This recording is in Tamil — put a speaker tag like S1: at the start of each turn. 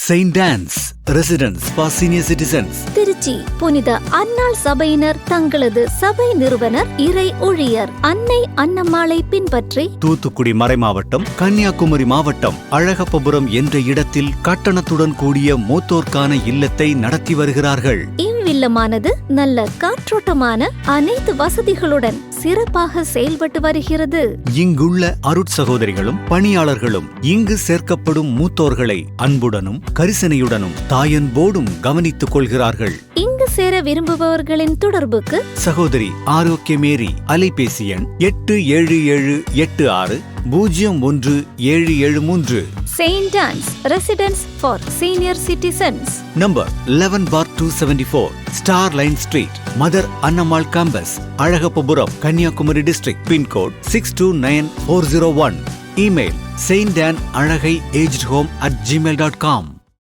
S1: Saint Anne's residence for senior citizens.
S2: Trichy புனித அன்னாள் சபையினர் தங்களது சபை நிறுவனர் இறை ஊழியர் அன்னை அன்னம்மாளை பின்பற்றி
S1: தூத்துக்குடி மறைமாவட்டம், கன்னியாகுமரி மாவட்டம் அழகப்பபுரம் என்ற இடத்தில் கட்டணத்துடன் கூடிய மூத்தோர்க்கான இல்லத்தை நடத்தி வருகிறார்கள்.
S2: இவ்வில்லமானது நல்ல காற்றோட்டமான அனைத்து வசதிகளுடன் சிறப்பாக செயல்பட்டு வருகிறது.
S1: இங்குள்ள அருட்சகோதரிகளும் பணியாளர்களும் இங்கு சேர்க்கப்படும் மூத்தோர்களை அன்புடனும் கரிசனையுடனும் தாயன்போடும் கவனித்துக் கொள்கிறார்கள்.
S2: இங்கு சேர விரும்புபவர்களின் தொடர்புக்கு
S1: சகோதரி ஆரோக்கியமேரி, அலைபேசி எண் 8776801773.
S2: Saint Anne's residence for senior citizens,
S1: number 11/274, star line street, mother Annammal campus, Azhagappapuram, Kanniyakumari district. Pin code 629401. Email saintdanalagai@gmail.com.